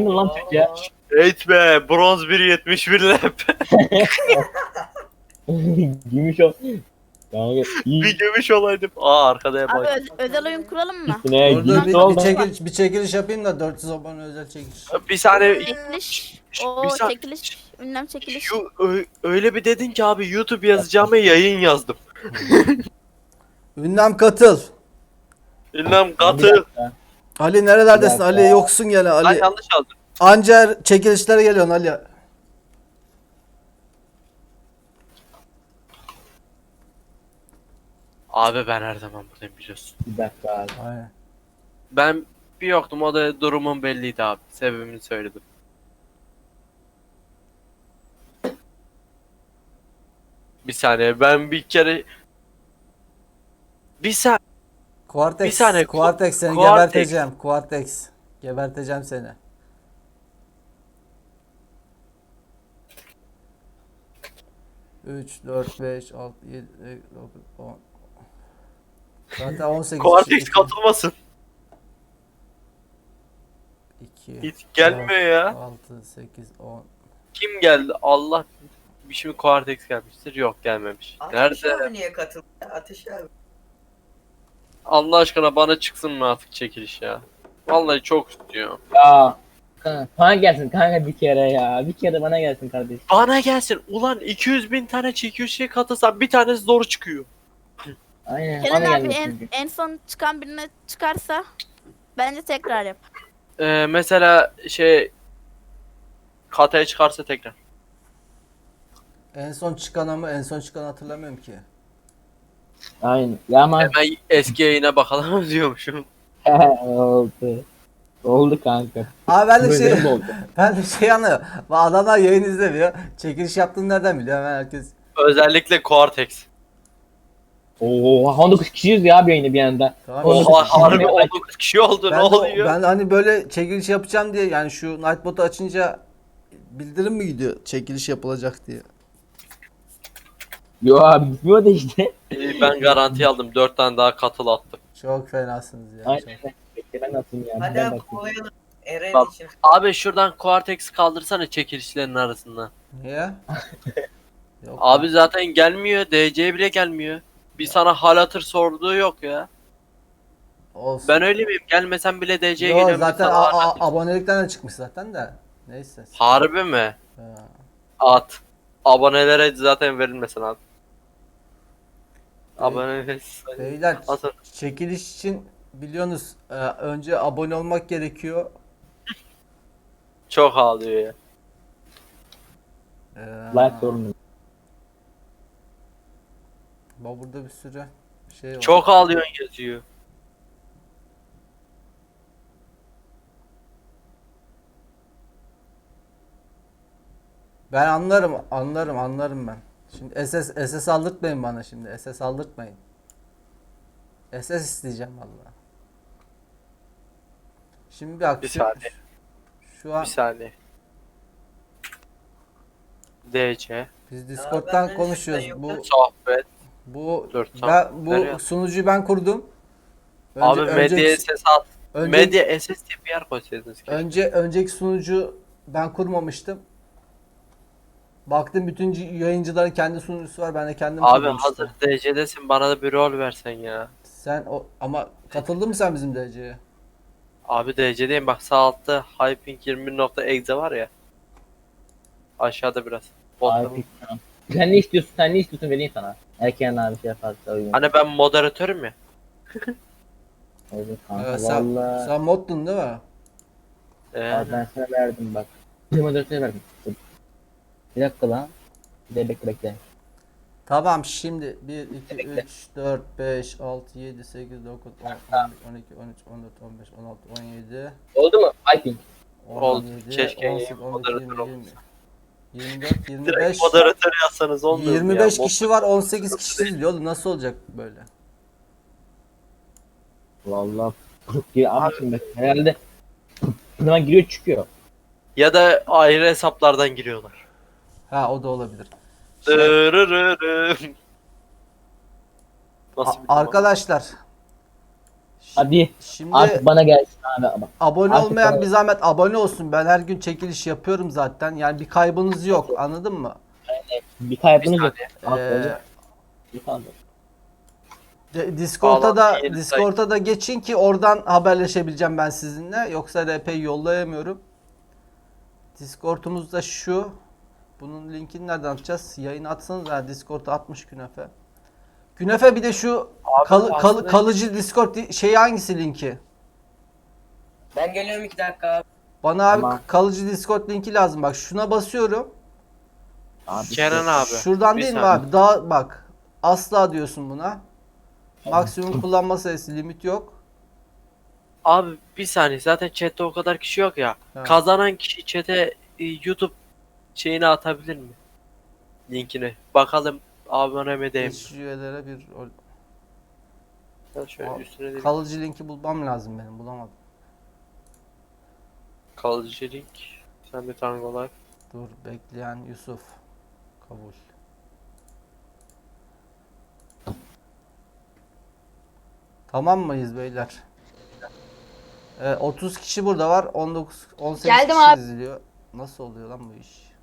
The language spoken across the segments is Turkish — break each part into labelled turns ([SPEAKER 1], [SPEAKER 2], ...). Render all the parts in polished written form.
[SPEAKER 1] Kim lan Türk ya?
[SPEAKER 2] Eğitme bronz 1.71 lap.
[SPEAKER 1] Gümüş o. Kanka iyi.
[SPEAKER 2] Bir gümüş olaydım. Aa arkada
[SPEAKER 3] Abi
[SPEAKER 2] bak.
[SPEAKER 3] özel oyun kuralım mı?
[SPEAKER 1] Üstüne
[SPEAKER 4] Dur dur
[SPEAKER 1] gümüş
[SPEAKER 4] bir,
[SPEAKER 1] oldu.
[SPEAKER 4] bir çekiliş yapayım da 400 abone özel çekiliş.
[SPEAKER 2] Bir saniye.
[SPEAKER 3] Çekiliş.
[SPEAKER 2] Bir
[SPEAKER 3] O
[SPEAKER 2] saniye.
[SPEAKER 3] çekiliş. Ünlem çekiliş.
[SPEAKER 2] Öyle bir dedin ki abi YouTube yazacağıma yayın yazdım.
[SPEAKER 4] Ünlem katıl.
[SPEAKER 2] Ünlem
[SPEAKER 1] Bir
[SPEAKER 2] katı.
[SPEAKER 1] dakika.
[SPEAKER 4] Ali nerelerdesin?
[SPEAKER 1] Bir dakika.
[SPEAKER 4] Ali yoksun gene
[SPEAKER 2] Ben
[SPEAKER 4] Ali.
[SPEAKER 2] yanlış aldım.
[SPEAKER 4] Anca çekilişlere geliyorsun Ali.
[SPEAKER 2] Abi ben her zaman buradayım biliyorsun.
[SPEAKER 1] Bir dakika abi.
[SPEAKER 4] Aynen.
[SPEAKER 2] Ben bir yoktum o da durumum belliydi abi. Sebebini söyledim. Bir saniye ben bir kere... Bir saniye.
[SPEAKER 4] Quartex,
[SPEAKER 2] Bir saniye,
[SPEAKER 4] Quartex seni
[SPEAKER 2] Quartex.
[SPEAKER 4] geberteceğim. Quartex. Geberteceğim seni. Üç, dört, beş, altı, yedi, dokuz, 10. Zaten 18.
[SPEAKER 2] Cortex katılmasın.
[SPEAKER 4] 2,
[SPEAKER 2] Hiç gelmiyor ya.
[SPEAKER 4] 6, 8, 10.
[SPEAKER 2] Kim geldi? Allah. Bir şimdi Cortex gelmiştir. Yok gelmemiş.
[SPEAKER 5] Ateş
[SPEAKER 2] Nerede?
[SPEAKER 5] abi niye katıldı? Ateş abi.
[SPEAKER 2] Allah aşkına bana çıksın mı artık çekiliş ya? Vallahi çok istiyorum.
[SPEAKER 1] Ya. Kanka, bana gelsin kanka bir kere ya. Bir kere bana gelsin kardeşim.
[SPEAKER 2] Bana gelsin. Ulan 200.000 tane çekilişe katılsam bir tanesi zor çıkıyor.
[SPEAKER 1] Aynen
[SPEAKER 3] Kenan
[SPEAKER 1] bana
[SPEAKER 3] abi
[SPEAKER 1] gelsin.
[SPEAKER 3] en son çıkan birine çıkarsa bence tekrar yap.
[SPEAKER 2] Mesela şey... Kataya çıkarsa tekrar.
[SPEAKER 4] En son çıkan ama en son çıkan hatırlamıyorum ki.
[SPEAKER 1] Aynen. Ya ama
[SPEAKER 2] Hemen eski yayına bakalım diyormuşum.
[SPEAKER 1] oldu. Oldu kanka.
[SPEAKER 4] Abi ben de
[SPEAKER 1] Böyle
[SPEAKER 4] şey
[SPEAKER 1] mi oldu?
[SPEAKER 4] ben de şey anlıyorum. Bu adamlar yayın izlemiyor. Çekiliş yaptığını nereden biliyor hemen herkes.
[SPEAKER 2] Özellikle Cortex.
[SPEAKER 1] Oo 19 kişiyiz ya bir yayında bir anda.
[SPEAKER 4] Tamam.
[SPEAKER 2] Oha harbi 19 kişi oldu ne
[SPEAKER 4] Ben de,
[SPEAKER 2] oluyor?
[SPEAKER 4] ben hani böyle çekiliş yapacağım diye yani şu Nightbot'u açınca bildirim mi gidiyor çekiliş yapılacak diye.
[SPEAKER 1] Yo abi gitmiyor da işte.
[SPEAKER 2] Ben garanti aldım 4 tane daha katıl attım.
[SPEAKER 4] Çok fenasınız ya.
[SPEAKER 1] Aynen.
[SPEAKER 4] Çok.
[SPEAKER 1] Bekle ben atayım ya.
[SPEAKER 5] Hadi
[SPEAKER 1] Ben
[SPEAKER 5] abi
[SPEAKER 1] atayım.
[SPEAKER 5] kovalayalım. Eren
[SPEAKER 2] Bak.
[SPEAKER 5] için.
[SPEAKER 2] Abi şuradan Cortex kaldırsana çekilişlerin arasından.
[SPEAKER 4] Niye? Yok.
[SPEAKER 2] Abi zaten gelmiyor DC bile gelmiyor. Bir sana hal hatır sorduğu yok ya.
[SPEAKER 4] Olsun.
[SPEAKER 2] Ben öyle miyim? Gelmesem bile DC'ye
[SPEAKER 4] Yo,
[SPEAKER 2] geliyorum.
[SPEAKER 4] zaten
[SPEAKER 2] sana hal hatır.
[SPEAKER 4] abonelikten de çıkmış zaten de. Neyse.
[SPEAKER 2] Harbi mi?
[SPEAKER 4] Ha.
[SPEAKER 2] At. Abonelere zaten verilmesin abi. Abone
[SPEAKER 4] Beyler
[SPEAKER 2] Atın.
[SPEAKER 4] çekiliş için biliyorsunuz önce abone olmak gerekiyor.
[SPEAKER 2] Çok ağlıyor ya.
[SPEAKER 1] Like sorunu.
[SPEAKER 4] Bak burada bir sürü şey var.
[SPEAKER 2] Çok ağlıyorsun yazıyor.
[SPEAKER 4] Ben anlarım ben. Şimdi SS aldırtmayın bana şimdi. SS aldırtmayın. SS isteyeceğim vallahi. Şimdi bir
[SPEAKER 2] Bir saniye.
[SPEAKER 4] Şu an
[SPEAKER 2] Bir saniye. DC.
[SPEAKER 4] biz
[SPEAKER 5] benden
[SPEAKER 4] Discord'dan konuşuyoruz.
[SPEAKER 5] çıkan
[SPEAKER 4] Bu
[SPEAKER 5] yok.
[SPEAKER 2] Sohbet.
[SPEAKER 4] bu
[SPEAKER 2] Dur, tamam.
[SPEAKER 4] ben bu
[SPEAKER 2] Nereye?
[SPEAKER 4] sunucuyu ben kurdum.
[SPEAKER 2] Abi medya SS at.
[SPEAKER 4] önce,
[SPEAKER 2] Medya SS diye bir yer koysaydınız keşke.
[SPEAKER 4] önceki sunucu ben kurmamıştım. Baktım bütün yayıncıların kendi sunucusu var. Ben de kendim
[SPEAKER 2] Abi
[SPEAKER 4] kurdum
[SPEAKER 2] hazır
[SPEAKER 4] işte.
[SPEAKER 2] DC'desin bana da bir rol versen ya.
[SPEAKER 4] Sen o ama katıldın mı sen bizim DC'ye?
[SPEAKER 2] Abi DC'deyim bak sağ altta hyping21.exe var ya. Aşağıda biraz.
[SPEAKER 1] Abi
[SPEAKER 2] Bottom.
[SPEAKER 1] tamam. Sen ne istiyorsun? Sen ne istiyorsun vereyim sana. Erken abi şey yaparsa uygun.
[SPEAKER 2] Hani ben moderatörüm ya.
[SPEAKER 1] Olur kanka
[SPEAKER 4] Evet, sen,
[SPEAKER 1] valla.
[SPEAKER 4] sen moddun değil mi?
[SPEAKER 1] Abi ben sana verdim bak. Bir moderatör verdim. Dur. Bir dakika lan. Bir de bekle.
[SPEAKER 4] Tamam şimdi 1, 2,
[SPEAKER 1] Bekle.
[SPEAKER 4] 3, 4, 5, 6, 7, 8, 9, 10, 11, 12, 13, 14, 15, 16, 17,
[SPEAKER 1] Oldu mu? Hyping.
[SPEAKER 2] Oldu.
[SPEAKER 4] 17,
[SPEAKER 2] Keşke
[SPEAKER 4] 18, 19,
[SPEAKER 2] moderatör
[SPEAKER 4] 20, 20, 24, 25,
[SPEAKER 2] Direkt moderatör yazsanız olmuyor mu
[SPEAKER 4] 25
[SPEAKER 2] ya?
[SPEAKER 4] kişi var 18 kişi izliyor oğlum nasıl olacak böyle?
[SPEAKER 1] Valla. Abi şimdi bak, herhalde zaman giriyor çıkıyor.
[SPEAKER 2] Ya da ayrı hesaplardan giriyorlar.
[SPEAKER 4] Ha o da olabilir.
[SPEAKER 2] Dırırırım. Nasıl bir
[SPEAKER 4] Arkadaşlar
[SPEAKER 1] Hadi
[SPEAKER 4] Şimdi
[SPEAKER 1] artık bana gelsin abi. Bak,
[SPEAKER 4] abone
[SPEAKER 1] artık
[SPEAKER 4] olmayan
[SPEAKER 1] bana-
[SPEAKER 4] bir zahmet abone olsun. Ben her gün çekiliş yapıyorum zaten. Yani bir kaybınız yok. Anladın mı?
[SPEAKER 1] bir kaybınız yok.
[SPEAKER 4] Ee,
[SPEAKER 1] Bir kaldı.
[SPEAKER 2] Bağlantı
[SPEAKER 4] Discord'a da geçin ki oradan haberleşebileceğim ben sizinle. Yoksa RP'yi yollayamıyorum. Discord'umuz da şu. Bunun linkini nereden atacağız? Yayını atsanız Discord'a atmış Künefe. Künefe bir de şu
[SPEAKER 2] Abi aslında-
[SPEAKER 4] kalıcı Discord şeyi hangisi linki?
[SPEAKER 5] Ben geliyorum 2 dakika abi.
[SPEAKER 4] Bana abi
[SPEAKER 1] Tamam.
[SPEAKER 4] kalıcı Discord linki lazım. Bak şuna basıyorum.
[SPEAKER 1] Abi,
[SPEAKER 2] Kenan abi.
[SPEAKER 4] Şuradan
[SPEAKER 2] bir
[SPEAKER 4] değil mi
[SPEAKER 2] saniye.
[SPEAKER 4] abi? Daha bak. Asla diyorsun buna. Maksimum kullanma sayısı limit yok.
[SPEAKER 2] Abi bir saniye, zaten chatte o kadar kişi yok ya.
[SPEAKER 4] Ha.
[SPEAKER 2] Kazanan kişi chat'e YouTube şeyini atabilir mi? Linkini. Bakalım abone mi değil mi?
[SPEAKER 4] Geç üyelere bir
[SPEAKER 2] Ben şöyle üstüne de bir
[SPEAKER 4] kalıcı linki bulmam lazım benim. Bulamadım.
[SPEAKER 2] kalıcı link. Sen bir Tango Life.
[SPEAKER 4] Dur bekleyen Yusuf. Kabul. Tamam mıyız beyler? 30 kişi burada var. 18
[SPEAKER 6] Geldim
[SPEAKER 4] kişi
[SPEAKER 6] abi.
[SPEAKER 4] izliyor. Nasıl oluyor lan bu iş?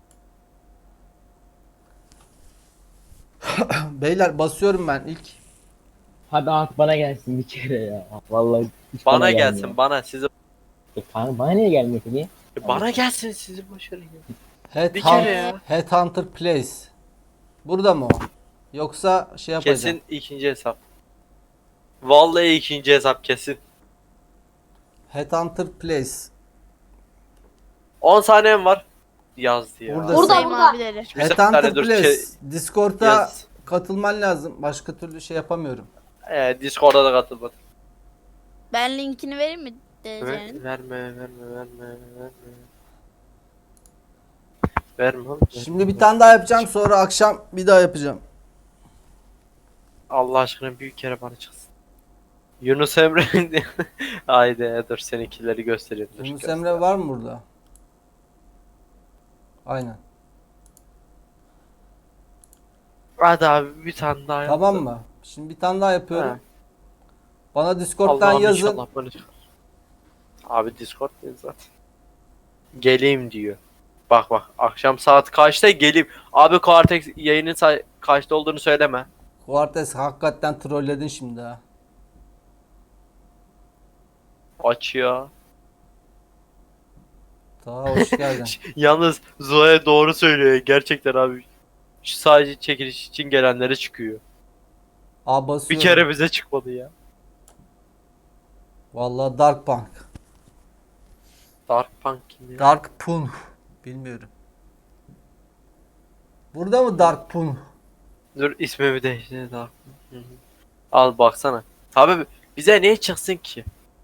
[SPEAKER 4] Beyler basıyorum ben ilk.
[SPEAKER 1] Hadi artık bana gelsin bir kere ya. Vallahi hiç
[SPEAKER 2] Bana
[SPEAKER 1] gelmiyor.
[SPEAKER 2] gelsin, bana sizi.
[SPEAKER 1] Kanka bana niye gelmiyor peki?
[SPEAKER 2] Bana gelsin, sizi başarın ya. Bir
[SPEAKER 4] Headhunt-
[SPEAKER 2] kere ya.
[SPEAKER 4] Headhunter Place. Burada mı o? Yoksa şey yapacağım.
[SPEAKER 2] Kesin ikinci hesap. Vallahi ikinci hesap kesin.
[SPEAKER 4] Headhunter Place.
[SPEAKER 2] 10 saniyem var. Yazdı ya.
[SPEAKER 4] Burada-
[SPEAKER 3] Buradayım
[SPEAKER 6] Burada.
[SPEAKER 3] abileri.
[SPEAKER 2] Bir
[SPEAKER 4] Headhunter
[SPEAKER 2] saniye dur,
[SPEAKER 4] Place. Discord'a
[SPEAKER 2] yaz.
[SPEAKER 4] katılman lazım. Başka türlü şey yapamıyorum.
[SPEAKER 2] Discord'a da katılmadım.
[SPEAKER 3] Ben linkini vereyim mi DC'nin?
[SPEAKER 2] Verme. Verme oğlum.
[SPEAKER 4] Şimdi bir tane daha yapacağım. Sonra akşam bir daha yapacağım.
[SPEAKER 2] Allah aşkına büyük kere bana çıksın. Yunus Emre. Haydi dur, seninkileri göstereyim. Dur,
[SPEAKER 4] Yunus
[SPEAKER 2] göster.
[SPEAKER 4] Emre var mı burada? Aynen.
[SPEAKER 2] Hadi abi bir tane daha yap.
[SPEAKER 4] Tamam mı? Şimdi bir tane daha yapıyorum.
[SPEAKER 2] Ha.
[SPEAKER 4] Bana Discord'dan
[SPEAKER 2] Allah'ım
[SPEAKER 4] yazın.
[SPEAKER 2] inşallah bana çıkar. Abi Discord değil zaten. Geleyim diyor. Bak akşam saat kaçta geleyim. Abi Cortex yayının kaçta olduğunu söyleme.
[SPEAKER 4] Quartes hakikaten trolledin şimdi ha.
[SPEAKER 2] Açıyor.
[SPEAKER 4] Daha hoş geldin.
[SPEAKER 2] Yalnız Zoe doğru söylüyor gerçekten abi. Şu sadece çekiliş için gelenlere çıkıyor.
[SPEAKER 4] Aa basıyorum.
[SPEAKER 2] Bir kere bize çıkmadı ya.
[SPEAKER 4] Vallahi Dark Punk.
[SPEAKER 2] Dark Punk kim ya?
[SPEAKER 4] Dark Punk. Bilmiyorum. Burada mı Dark Punk?
[SPEAKER 2] Dur ismimi değiştir Dark Punk. Hı hı. Al baksana. Abi bize niye çıksın ki?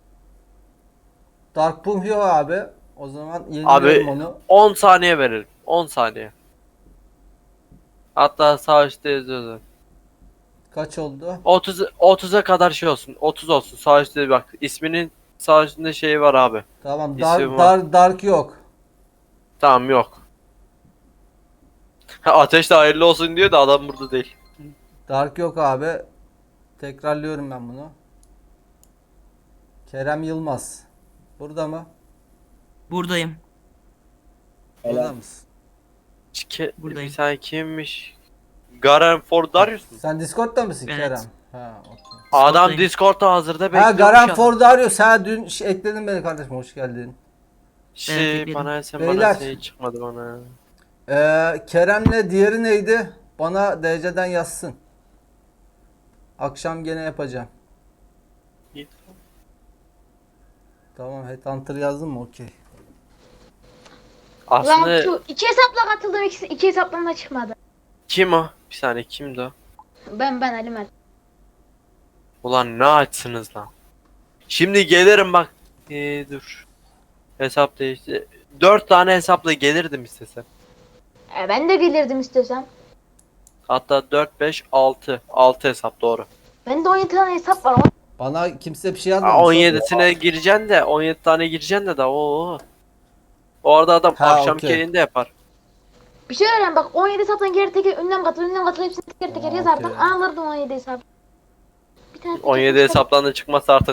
[SPEAKER 4] Dark Punk yok abi. O zaman
[SPEAKER 2] Abi
[SPEAKER 4] yeniliyorum onu.
[SPEAKER 2] 10 saniye veririm. 10 saniye. Hatta sağ üstte yazıyor zaten.
[SPEAKER 4] Kaç oldu?
[SPEAKER 2] 30'a kadar şey olsun. 30 olsun. Sağ üstte bak. İsminin sağ üstünde şeyi var abi.
[SPEAKER 4] Tamam.
[SPEAKER 2] İsim var.
[SPEAKER 4] Dark yok.
[SPEAKER 2] Tamam yok. Ateş de hayırlı olsun diyor da adam burada değil.
[SPEAKER 4] Dark yok abi. Tekrarlıyorum ben bunu. Kerem Yılmaz. Burada mı?
[SPEAKER 7] Buradayım.
[SPEAKER 4] Burada mısın?
[SPEAKER 7] Buradayım.
[SPEAKER 2] Bir saniye kimmiş? Garen Fordarius mu?
[SPEAKER 4] Sen Discord'da mısın
[SPEAKER 7] Evet.
[SPEAKER 4] Kerem? Ha, okey.
[SPEAKER 2] Adam
[SPEAKER 7] Discord'dayım.
[SPEAKER 2] Discord'da hazırda
[SPEAKER 4] Ha
[SPEAKER 2] bekliyormuş.
[SPEAKER 4] Garen
[SPEAKER 2] ya.
[SPEAKER 4] Fordarius. Ha dün ekledin beni kardeşim. Hoş geldin.
[SPEAKER 2] Şey,
[SPEAKER 7] Evet,
[SPEAKER 2] bana sen
[SPEAKER 4] Beyler.
[SPEAKER 2] bana şey çıkmadı bana.
[SPEAKER 4] Kerem'le diğeri neydi? Bana DC'den yazsın. Akşam gene yapacağım.
[SPEAKER 2] İyi.
[SPEAKER 4] Tamam Headhunter yazdın mı? Okey.
[SPEAKER 6] Ulan
[SPEAKER 2] Aslında
[SPEAKER 6] şu iki hesapla katıldım, iki hesaptan da çıkmadı.
[SPEAKER 2] kim o? Bir saniye kimdi o?
[SPEAKER 6] Ben Ali Mert.
[SPEAKER 2] Ulan ne açsınız lan? Şimdi gelirim bak. Dur. Hesap değişti. 4 tane hesapla gelirdim istesem.
[SPEAKER 6] Ben de gelirdim istesem.
[SPEAKER 2] Hatta 4, 5, 6. 6 hesap doğru.
[SPEAKER 6] Ben de 17 tane hesap var.
[SPEAKER 4] Bana kimse bir şey
[SPEAKER 2] Aa,
[SPEAKER 4] yazmamış.
[SPEAKER 2] 17'sine gireceksin de 17 tane gireceksin de daha o. Orada adam
[SPEAKER 4] Ha,
[SPEAKER 2] akşamki
[SPEAKER 4] okey.
[SPEAKER 2] yayında yapar.
[SPEAKER 6] Bir şey öğren bak 17 hesaptan geri teker ünlem katıl hepsini teker teker
[SPEAKER 4] Okey.
[SPEAKER 6] yazardım. Alırdım 17 hesap. Bir tane
[SPEAKER 2] 17 hesaptan da çıkmazsa artık